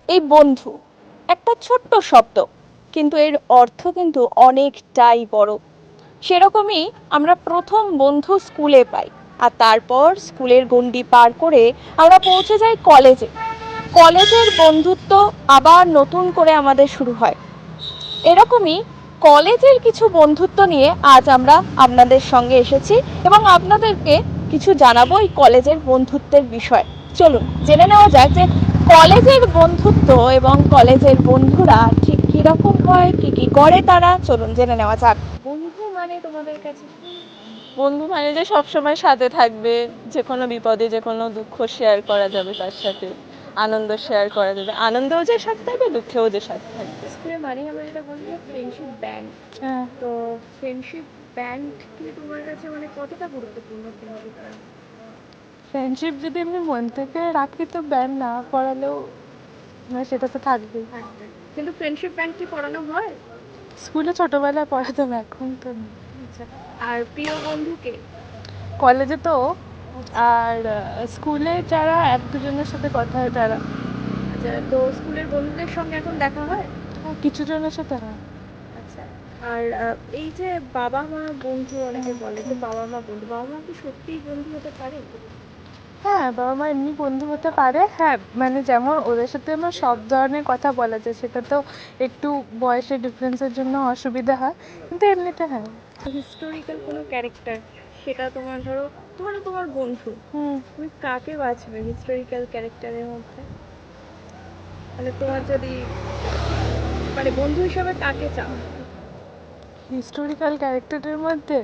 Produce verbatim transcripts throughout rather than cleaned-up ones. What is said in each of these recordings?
এই বন্ধু একটা ছোট্ট শব্দ, কিন্তু এর অর্থ কিন্তু অনেকটাই বড়। সেরকমই আমরা প্রথম বন্ধু স্কুলে পাই, আর তারপর স্কুলের গণ্ডি পার করে আমরা পৌঁছে যাই কলেজে। কলেজের বন্ধুত্ব আবার নতুন করে আমাদের শুরু হয়। এরকমই কলেজের কিছু বন্ধুত্ব নিয়ে আজ আমরা আপনাদের সঙ্গে এসেছি এবং আপনাদেরকে কিছু জানাবো এই কলেজের বন্ধুত্বের বিষয়। চলুন জেনে নেওয়া যাক যে কলেজের বন্ধুত্ব এবং কলেজের বন্ধুরা ঠিক কিরকম হয়, কি কি করে তারা। চলুন জেনে নেওয়া যাক। বন্ধু মানে তোমাদের কাছে বন্ধু মানে যে সবসময় সাথে থাকবে, যে কোনো বিপদে যে কোনো দুঃখ শেয়ার করা যাবে তার সাথে, আনন্দ শেয়ার করা যাবে, আনন্দেও যে সাথে থাকবে, দুঃখেও যে সাথে থাকবে। স্কুলে মানে আমরা যেটা বলি ফ্রেন্ডশিপ ব্যান্ড। হ্যাঁ, তো ফ্রেন্ডশিপ ব্যান্ড কি তোমার কাছে মানে কতটা গুরুত্বপূর্ণ তোমার? ফ্রেন্ডশিপ যদি আমি মন থেকে রাখি তো ব্যান্ড না পড়ালেও মানে সেটা তো থাকবেই। থাকবে, কিন্তু ফ্রেন্ডশিপ ব্যান্ড কি পড়ানো হয়? স্কুলে ছোটবেলায় পড়াতাম, এখন তো না। আচ্ছা, আর প্রিয় বন্ধুকে? কলেজে তো, আর আহ, স্কুলে যারা এক দুজনের সাথে কথা হয় তারা। আচ্ছা, তো স্কুলের বন্ধুদের সঙ্গে এখন দেখা হয়? হ্যাঁ, কিছু জনের সাথে হয়। আচ্ছা, আর আহ, এই যে বাবা মা বন্ধু, অনেকে বলে যে বাবা মা বন্ধু, বাবা মা কি সত্যিই বন্ধু হতে পারে? হ্যাঁ, বাবা মা এমনি বন্ধু হতে পারে। হ্যাঁ, মানে যেমন ওদের সাথে আমার সব ধরনের কথা বলা যায়, সেটা তো একটু বয়সের ডিফারেন্সের জন্য অসুবিধা হয়, কিন্তু এমনিতে হ্যাঁ। হিস্টোরিক্যাল কোনো ক্যারেক্টার, সেটা তোমার ধরো, ধরো তোমার বন্ধু, হুম তুমি কাকে বাছবে হিস্টোরিক্যাল ক্যারেক্টারের মধ্যে? মানে তোমার যদি মানে বন্ধু হিসাবে কাকে চাও? হিস্টোরিক্যাল ক্যারেক্টারের মধ্যে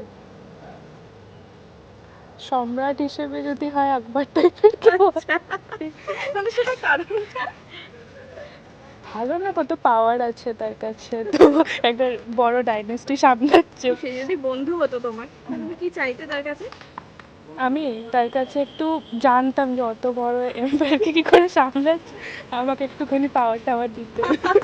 সম্রাট হিসেবে যদি হয় আকবর টাইপের কেউ। আচ্ছা, মানে সেটা কারণটা? ভালো না, কত পাওয়ার আছে তার কাছে, তো একটা বড় ডাইনেস্টি সামলাচ্ছে। সে যদি বন্ধু হতো তোমার, তুমি কি চাইতে তার কাছে? আমি তার কাছে একটু জানতাম যে অত বড় এম্পায়ারকে কি করে সামলাচ্ছে, আমাকে একটুখানি পাওয়ার টাওয়ার দিতে।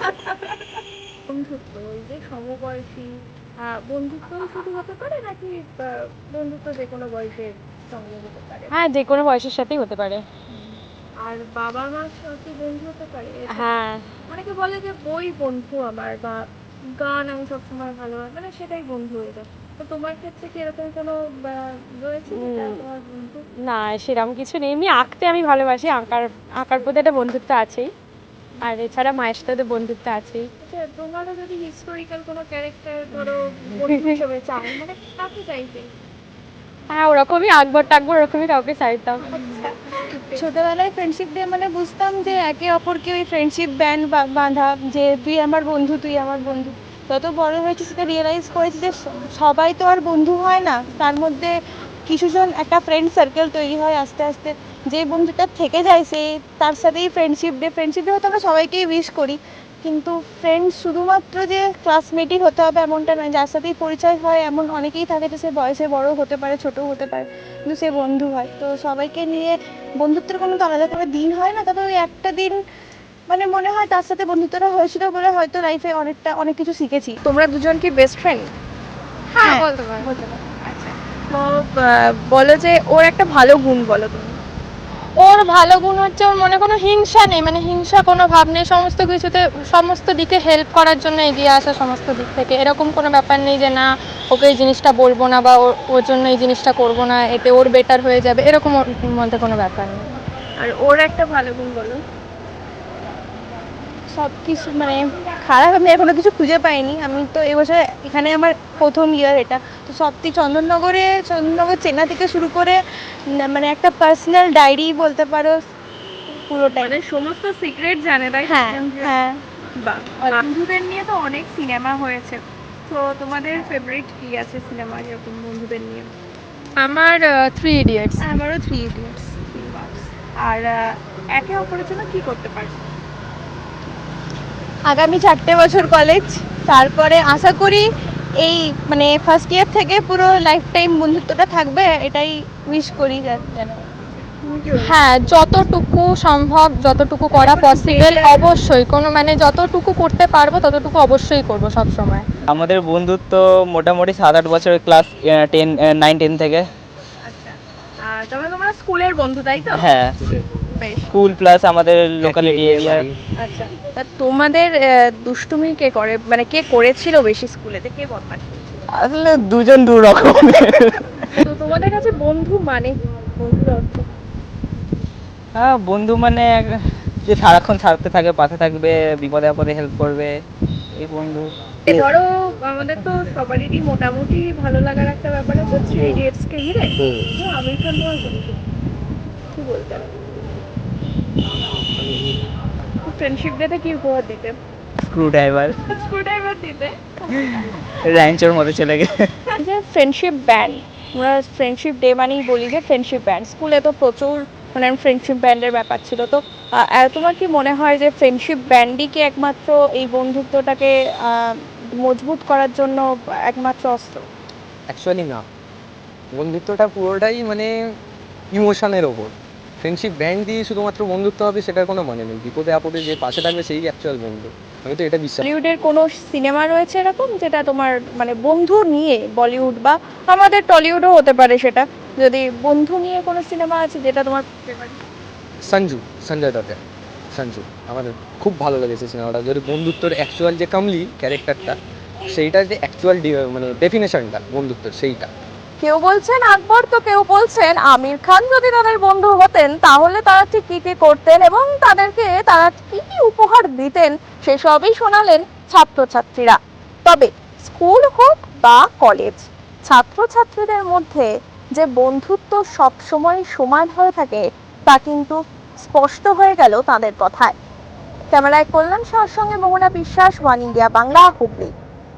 বন্ধুত্ব ওই যে সমবয়সী আহ, বন্ধুত্ব শুধু হতে পারে নাকি আহ, বন্ধুত্ব যে কোনো বয়সের সঙ্গে হতে পারে? হ্যাঁ, যে কোনো বয়সের সাথেই হতে পারে। আর বাবা মার সাথে বন্ধু হতে পারে এটা? হ্যাঁ, অনেকে বলে যে বই বন্ধু আমার, বা গান আমি সবসময় ভালোবাসি, মানে সেটাই বন্ধু হয়ে যায়। তো তোমার ক্ষেত্রে কি এরকম কোনো আহ, রয়েছে যেটা উম, তোমার বন্ধু? না সেরকম কিছু নেই, এমনি আঁকতে আমি ভালোবাসি, আঁকার আঁকার প্রতি একটা বন্ধুত্ব আছেই, আর এছাড়া মায়ের সাথে তো বন্ধুত্ব আছেই। আচ্ছা, তোমারও যদি হিস্টোরিক্যাল কোনো ক্যারেক্টার ধরো বন্ধু হিসেবে চাও, মানে কাকে চাইবে? হ্যাঁ, ওরকমই আকবর টাকবর ওরকমই কাউকে চাইতাম। আচ্ছা, ছোটবেলায় ফ্রেন্ডশিপ ডে মানে বুঝতাম যে একে অপরকে ওই ফ্রেন্ডশিপ ব্যান্ড বাঁধা, যে তুই আমার বন্ধু তুই আমার বন্ধু। যত বড় হয়েছি সেটা রিয়েলাইজ করেছি যে স- সবাই তো আর বন্ধু হয় না, তার মধ্যে কিছুজন একটা ফ্রেন্ড সার্কেল তৈরি হয় আস্তে আস্তে। যে বন্ধুটা থেকে যায় সে, তার সাথেই ফ্রেন্ডশিপ ডে ফ্রেন্ডশিপ ডে হয়তো আমরা সবাইকেই উইশ করি, কিন্তু ফ্রেন্ড শুধুমাত্র যে ক্লাসমেটই হতে হবে এমনটা নয়, যার সাথেই পরিচয় হয় এমন অনেকেই থাকে, যে সে বয়সে বড় হতে পারে ছোটও হতে পারে, কিন্তু সে বন্ধু হয়। তো সবাইকে নিয়ে বন্ধুত্বের কোনো তো আলাদা করে দিন হয় না, তবে ওই একটা দিন মানে মনে হয় তার সাথে বন্ধুত্বটা হয়েছিল বলে হয়তো লাইফে অনেকটা অনেক কিছু শিখেছি। তোমরা দুজন কি বেস্ট ফ্রেন্ড? হ্যাঁ, বলতে পারো। আচ্ছা, তো আহ, বলো যে ওর একটা ভালো গুণ বলো তুমি। ওর ভালো গুণ হচ্ছে ওর মনে কোনো হিংসা নেই, মানে হিংসা কোনো ভাব নেই, সমস্ত কিছুতে সমস্ত দিকে হেল্প করার জন্য এগিয়ে আসা, সমস্ত দিক থেকে এরকম কোনো ব্যাপার নেই যে না ওকে এই জিনিসটা বলবো না বা ওর ওর জন্য এই জিনিসটা করবো না, এতে ওর বেটার হয়ে যাবে, এরকম ওর মধ্যে কোনো ব্যাপার নেই। আর ওর একটা ভালো গুণ বলো। সব কিছু মানে খারাপ আমি এখনো কিছু খুঁজে পাইনি, আমি তো এবছর এখানে আমার প্রথম ইয়ার এটা। তো সত্যি চন্দননগরে, চন্দননগর চেনা থেকে শুরু করে না- মানে একটা পার্সোনাল ডায়েরি বলতে পারো পুরোটাই, মানে সমস্ত সিক্রেট জানে, তাই? হ্যাঁ হ্যাঁ। বাহ, বন্ধুদের নিয়ে তো অনেক সিনেমা হয়েছে, তো তোমাদের ফেভারিট কি আছে সিনেমা এরকম বন্ধুদের নিয়ে? আমার থ্রি ইডিয়টস। আমারও থ্রি ইডিয়টস। আর আহ, একে অপরের জন্য কি করতে পারো? আগামী চারটে বছর কলেজ, তারপরে আশা করি এই মানে ফার্স্ট ইয়ার থেকে পুরো লাইফ টাইম বন্ধুত্বটা থাকবে, এটাই উইশ করি যেন। হ্যাঁ, যতটুকু সম্ভব, যতটুকু করা পসিবল, অবশ্যই কোনো মানে যতটুকু করতে পারবো ততটুকু অবশ্যই করবো সব সময়। আমাদের বন্ধুত্ব মোটামুটি সাত আট বছরের, ক্লাস টেন নাইন টেন থেকে। আচ্ছা, আর তবে তোমরা স্কুলের বন্ধু তাই তো? হ্যাঁ, বেশ স্কুল প্লাস আমাদের লোকালিটি এরিয়া। আচ্ছা, তা তোমাদের আহ, দুষ্টুমি কে করে, মানে কে করেছিল বেশি স্কুলেতে, কে বদমাশ? আসলে দুজন দু রকমের। তো তোমাদের কাছে বন্ধু মানে কি? বন্ধুর অর্থ? হ্যাঁ, বন্ধু মানে এক- যে সারাক্ষণ সাথে থাকে, পাশে থাকবে, বিপদে আপদে হেল্প করবে, এই বন্ধু। এ ধরো আমাদের তো সবারই মোটামুটি ভালো লাগার একটা ব্যাপার আছে থ্রি ইডিয়টস কে ঘিরে। তো আমির খান তোমার বন্ধু, কি বলতে ফ্রেন্ডশিপ ডেতে কি উপহার দিতে? স্ক্রু ড্রাইভার, স্ক্রু ড্রাইভার দিতে? র্যাঞ্চোর মধ্যে চলে গেছে। যে ফ্রেন্ডশিপ ব্যান্ড, আমরা ফ্রেন্ডশিপ ডে মানেই বলি যে ফ্রেন্ডশিপ ব্যান্ড, স্কুলে তো প্রচুর মানে ফ্রেন্ডশিপ ব্যান্ডের ব্যাপার ছিল। তো আহ, আহ, তোমার কি মনে হয় যে ফ্রেন্ডশিপ ব্যান্ডই কি একমাত্র এই বন্ধুত্বটাকে আহ, মজবুত করার জন্য একমাত্র অস্ত্র? অ্যাকচুয়ালি না, বন্ধুত্বটা পুরোটাই মানে ইমোশনের ওপর। ফ্রেন্ডশিপ ব্যান্ড দিয়ে শুধুমাত্র বন্ধুত্ব হবে সেটার কোনো মানে নেই। বিপদে আপদে যে পাশে থাকবে সেই অ্যাকচুয়াল বন্ধু, আমি তো এটা বিশ্বাস। বলিউডের কোনো সিনেমা রয়েছে এরকম যেটা তোমার মানে বন্ধু নিয়ে, বলিউড বা আমাদের টলিউডও হতে পারে সেটা, যদি বন্ধু নিয়ে কোনো সিনেমা আছে যেটা তোমার favorite? সঞ্জু, সঞ্জয় দত্তের সঞ্জু আমার খুব ভালো লেগেছে সিনেমাটা। যদি বন্ধুত্বর অ্যাকচুয়াল যে কামলি ক্যারেক্টারটা, সেইটার যে অ্যাকচুয়াল মানে ডেফিনেশনটা বন্ধুত্বের, সেইটা। কেউ বলছেন আকবর, তো কেউ বলছেন আমির খান যদি তাদের বন্ধু হতেন তাহলে তারা ঠিক কি কি করতেন এবং তাদেরকে তারা কি কি উপহার দিতেন সেসবই শোনালেন ছাত্রছাত্রীরা। তবে স্কুল হোক বা কলেজ, ছাত্রছাত্রীদের মধ্যে যে বন্ধুত্ব সবসময় সমান হয়ে থাকে তা কিন্তু স্পষ্ট হয়ে গেল তাদের কথায়। ক্যামেরায় কল্যাণ শাহর সঙ্গে মোহনা বিশ্বাস, ওয়ান ইন্ডিয়া বাংলা, হুগলি।